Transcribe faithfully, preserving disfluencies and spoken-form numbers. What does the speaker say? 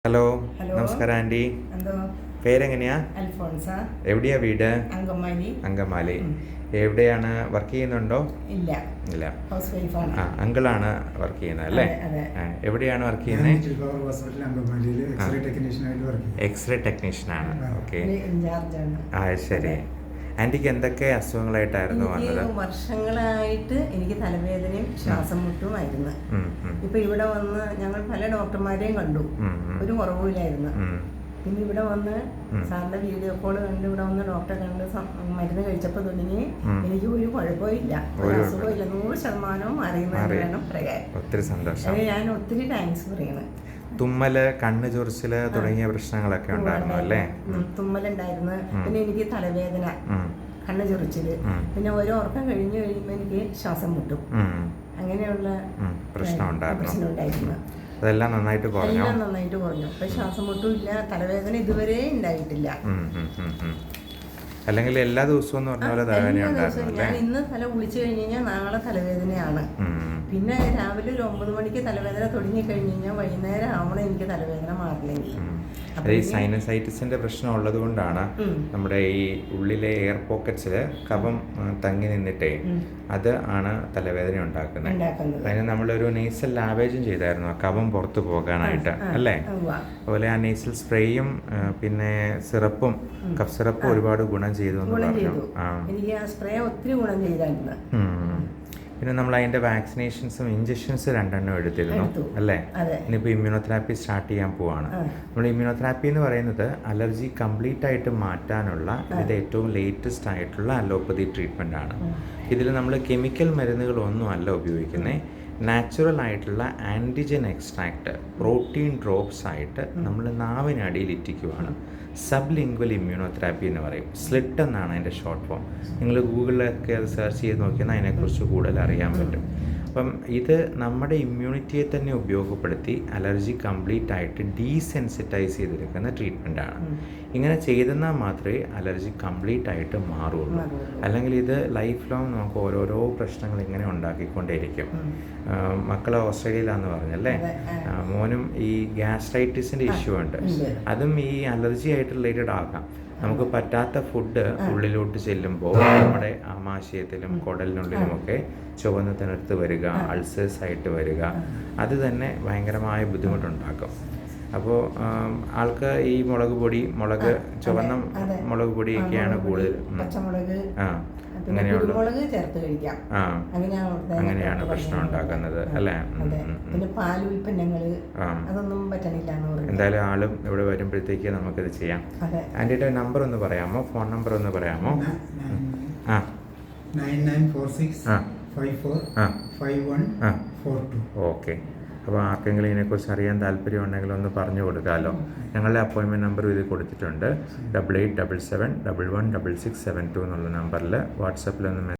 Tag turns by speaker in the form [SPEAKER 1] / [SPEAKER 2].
[SPEAKER 1] Hello
[SPEAKER 2] hello
[SPEAKER 1] നമസ്കാരം anti.
[SPEAKER 2] എന്തോ
[SPEAKER 1] പേരെങ്ങനെയാ?
[SPEAKER 2] അൽഫോൺസ.
[SPEAKER 1] എവിടെയാ വീട്?
[SPEAKER 2] അങ്കമാലി.
[SPEAKER 1] അങ്കമാലി. എവിടെയാണ്? വർക്ക് ചെയ്യുന്നുണ്ടോ?
[SPEAKER 2] ഇല്ല
[SPEAKER 1] ഇല്ല.
[SPEAKER 2] ഹൗസ് വൈഫാണ്.
[SPEAKER 1] ആ അങ്കിളാണ് വർക്ക് ചെയ്യുന്നത് അല്ലേ?
[SPEAKER 2] അതെ.
[SPEAKER 1] എവിടെയാണ് വർക്ക് ചെയ്യുന്നത്? എക്സ്റേ ടെക്നീഷ്യനാണ്. ഓക്കെ.
[SPEAKER 2] ഇൻചാർജാണ്.
[SPEAKER 1] ആ ശരി. ആൻറ്റിക്ക് എന്തൊക്കെ അസുഖങ്ങളായിട്ടായിരുന്നു വന്നത്?
[SPEAKER 2] വർഷങ്ങളായിട്ട് എനിക്ക് തലവേദനയും ശ്വാസം മുട്ടുമായിരുന്നു. ഇപ്പൊ ഇവിടെ വന്ന് ഞങ്ങൾ പല ഡോക്ടർമാരെയും കണ്ടു, ഒരു കുറവില്ലായിരുന്നു. പിന്നെ ഇവിടെ വന്ന് സാറിന്റെ വീഡിയോ കോള് കണ്ട് ഇവിടെ വന്ന് ഡോക്ടറെ കണ്ട് മരുന്ന് കഴിച്ചപ്പോൾ തുടങ്ങി എനിക്ക് ഒരു കുഴപ്പമില്ല, ഒരു അസുഖമില്ല, നൂറ് ശതമാനവും അറിയുന്നതെന്ന് വേണം പറയാൻ.
[SPEAKER 1] ഒത്തിരി സന്തോഷം.
[SPEAKER 2] ഞാൻ ഒത്തിരി താങ്ക്സ് പറയണം.
[SPEAKER 1] തുമ്മല്, കണ്ണ് ചൊറിച്ചില് തുടങ്ങിയ പ്രശ്നങ്ങളൊക്കെ ഉണ്ടായിരുന്നു അല്ലേ?
[SPEAKER 2] തുമ്മലുണ്ടായിരുന്നു. പിന്നെ എനിക്ക് തലവേദന, കണ്ണ് ചൊറിച്ചില്, പിന്നെ ഓരോ ഉറക്കം കഴിഞ്ഞു കഴിയുമ്പോൾ എനിക്ക് ശ്വാസം മുട്ടും, അങ്ങനെയുള്ള പ്രശ്നം ഉണ്ടായിരുന്നു.
[SPEAKER 1] അതെല്ലാം നന്നായിട്ട് കുറഞ്ഞു.
[SPEAKER 2] എല്ലാം നന്നായിട്ട് കുറഞ്ഞു. ഇപ്പൊ ശ്വാസം മുട്ടും ഇല്ല, തലവേദന ഇതുവരെ ഉണ്ടായിട്ടില്ല.
[SPEAKER 1] അല്ലെങ്കിൽ എല്ലാ ദിവസവും എന്ന് പറഞ്ഞ പോലെ തലവേദന ഉണ്ടായിരുന്നു.
[SPEAKER 2] ഞാൻ ഇന്ന് തല കുളിച്ചു കഴിഞ്ഞ് കഴിഞ്ഞാൽ നാളെ തലവേദനയാണ്. പിന്നെ രാവിലെ ഒരു ഒമ്പത് മണിക്ക് തലവേദന തുടങ്ങി കഴിഞ്ഞ് കഴിഞ്ഞാൽ വൈകുന്നേരം ആവണം എനിക്ക് തലവേദന മാറില്ലെങ്കിൽ.
[SPEAKER 1] ഈ സൈനസൈറ്റിസിന്റെ പ്രശ്നം ഉള്ളത് കൊണ്ടാണ് നമ്മുടെ ഈ ഉള്ളിലെ എയർ പോക്കറ്റ്സിൽ കഫം തങ്ങി നിന്നിട്ടേ അത് ആണ് തലവേദന ഉണ്ടാക്കുന്നത്. അതിന് നമ്മളൊരു നേസൽ ലാവേജും ചെയ്തായിരുന്നു ആ കഫം പുറത്തു പോകാനായിട്ട് അല്ലേ? അതുപോലെ ആ നേസൽ സ്പ്രേയും പിന്നെ സിറപ്പും കഫ് സിറപ്പും ഒരുപാട് ഗുണം ചെയ്തു എന്ന് പറഞ്ഞു.
[SPEAKER 2] എനിക്ക് ആ സ്പ്രേ ഒത്തിരി ഗുണം ചെയ്തായിരുന്നു.
[SPEAKER 1] പിന്നെ നമ്മൾ അതിൻ്റെ വാക്സിനേഷൻസും ഇഞ്ചക്ഷൻസ് രണ്ടെണ്ണം എടുത്തിരുന്നു അല്ലേ? ഇനിയിപ്പോൾ ഇമ്മ്യൂണോതെറാപ്പി സ്റ്റാർട്ട് ചെയ്യാൻ പോവാണ്. നമ്മൾ ഇമ്മ്യൂണോതെറാപ്പി എന്ന് പറയുന്നത് അലർജി കംപ്ലീറ്റ് ആയിട്ട് മാറ്റാനുള്ള ഇതിൻ്റെ ഏറ്റവും ലേറ്റസ്റ്റ് ആയിട്ടുള്ള അലോപ്പതി ട്രീറ്റ്മെൻ്റ് ആണ്. ഇതിൽ നമ്മൾ കെമിക്കൽ മരുന്നുകളൊന്നും അല്ല ഉപയോഗിക്കുന്നത്. നാച്ചുറൽ ആയിട്ടുള്ള ആൻറ്റിജൻ എക്സ്ട്രാക്ട് പ്രോട്ടീൻ ഡ്രോപ്സ് ആയിട്ട് നമ്മൾ നാവിനടിയിൽ ഇറ്റിക്കുവാണ്. സബ് ലിംഗ്വൽ ഇമ്മ്യൂണോതെറാപ്പി എന്ന് പറയും. സ്ലിറ്റ് എന്നാണ് അതിൻ്റെ ഷോർട്ട് ഫോം. നിങ്ങൾ ഗൂഗിളിലൊക്കെ അത് സെർച്ച് ചെയ്ത് നോക്കിയാൽ അതിനെക്കുറിച്ച് കൂടുതൽ അറിയാൻ പറ്റും. അപ്പം ഇത് നമ്മുടെ ഇമ്മ്യൂണിറ്റിയെ തന്നെ ഉപയോഗപ്പെടുത്തി അലർജി കംപ്ലീറ്റ് ആയിട്ട് ഡീസെൻസിറ്റൈസ് ചെയ്തെടുക്കുന്ന ട്രീറ്റ്മെൻറ്റാണ്. ഇങ്ങനെ ചെയ്തെന്നാൽ മാത്രമേ അലർജി കംപ്ലീറ്റ് ആയിട്ട് മാറുള്ളൂ. അല്ലെങ്കിൽ ഇത് ലൈഫ് ലോങ് നമുക്ക് ഓരോരോ പ്രശ്നങ്ങൾ ഇങ്ങനെ ഉണ്ടാക്കിക്കൊണ്ടേയിരിക്കും. മക്കൾ ഓസ്ട്രേലിയയിലാന്ന് പറഞ്ഞല്ലേ? മോനും ഈ ഗ്യാസ്ട്രൈറ്റിസിൻ്റെ ഇഷ്യൂ ഉണ്ട്. അതും ഈ അലർജി ആയിട്ട് റിലേറ്റഡ് ആകാം. നമുക്ക് പറ്റാത്ത ഫുഡ് ഉള്ളിലോട്ട് ചെല്ലുമ്പോൾ നമ്മുടെ ആമാശയത്തിലും കുടലിനുള്ളിലുമൊക്കെ ചുവന്ന് തിണർത്ത് വരിക, അൾസേഴ്സ് ആയിട്ട് വരിക, അത് തന്നെ ഭയങ്കരമായ ബുദ്ധിമുട്ടുണ്ടാക്കും. അപ്പോൾ ആൾക്ക് ഈ മുളക് പൊടി, മുളക്, ചുവന്ന മുളക് പൊടിയൊക്കെയാണ് കൂടുതൽ. ആ അങ്ങനെയുള്ള ആ അങ്ങനെയാണ് പ്രശ്നം ഉണ്ടാക്കുന്നത് അല്ലേ? എന്തായാലും ആളും ഇവിടെ വരുമ്പോഴത്തേക്ക് നമുക്കിത് ചെയ്യാം. ആൻറ്റിയുടെ നമ്പർ ഒന്ന് പറയാമോ? ഫോൺ നമ്പർ ഒന്ന് പറയാമോ? ആ ഓക്കെ. അപ്പോൾ ആർക്കെങ്കിലും ഇതിനെക്കുറിച്ച് അറിയാൻ താല്പര്യം ഉണ്ടെങ്കിൽ ഒന്ന് പറഞ്ഞു കൊടുക്കാമല്ലോ. ഞങ്ങളുടെ അപ്പോയിൻമെൻറ്റ് നമ്പർ ഇതിൽ കൊടുത്തിട്ടുണ്ട്. Double eight double seven double one double six seven two എന്നുള്ള നമ്പറിൽ വാട്സപ്പിലൊന്ന്